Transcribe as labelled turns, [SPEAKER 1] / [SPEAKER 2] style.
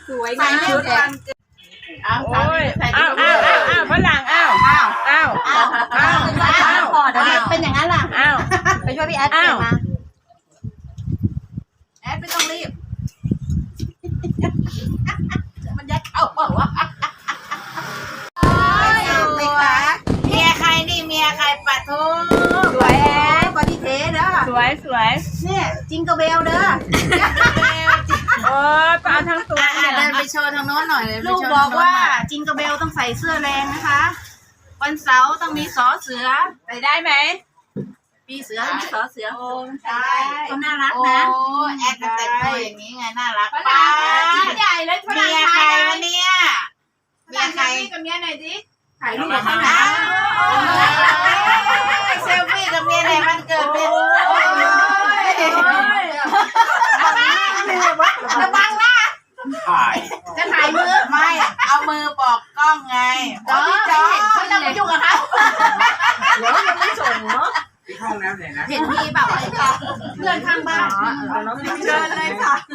[SPEAKER 1] สวย
[SPEAKER 2] ใส่
[SPEAKER 1] งาม
[SPEAKER 2] ชุดวันเกิดอ้าว
[SPEAKER 1] ฝรั่งอ้าว
[SPEAKER 3] พอเดี๋ยวเป็นอย่างนั้นล่ะไปช่วยพี่แอดเปลี่ยนมา
[SPEAKER 2] แอดไม่ต้องรีบมันยัดเข้าเปล่าวะเมียใครนี่เมียใครปะทุสวยแอดบอดี้เทสเด้อ
[SPEAKER 1] สวย
[SPEAKER 2] เนี่ยจิงกระเบลเด้อ
[SPEAKER 1] โอ้ปลาทั้งตัว
[SPEAKER 2] เดินไปโชว์ทางโน้นหน่อยเลยลูกบอกว่าจิงกระเบลต้องใส่เสื้อแรงนะคะวันเสาร์ต้องมีสอเสือ
[SPEAKER 1] ใส่ได้ไหม
[SPEAKER 2] ปีเสือมีสอเสือ
[SPEAKER 1] โอ้
[SPEAKER 2] ใช่เขาน่ารักนะแอดแต่งตัวอย่างนี้ไงน่ารัก
[SPEAKER 1] ฝ
[SPEAKER 2] ป้า
[SPEAKER 1] รั่งใหญ่เลยฝ
[SPEAKER 2] เมี
[SPEAKER 1] รั่ง
[SPEAKER 2] ยใครวะเนี่ยเมียใคร
[SPEAKER 1] กับเมียหน่อยสิ
[SPEAKER 2] ถ่ายรูปกับเขาหน่อยเซลฟี่กับเมียในวันเกิดเป็นระวังนะจะถ่ายมือไม่เอามือบอกกล้องไงพี่จอเขาจะไปยุ่งกับเขาเดี๋ยวยังไม่ส่งเนาะ
[SPEAKER 4] ที่ห้องน้ำไหนนะ
[SPEAKER 2] เห็นพี่แบบเพื่อนข้างบ้านเชิญเลยค่ะ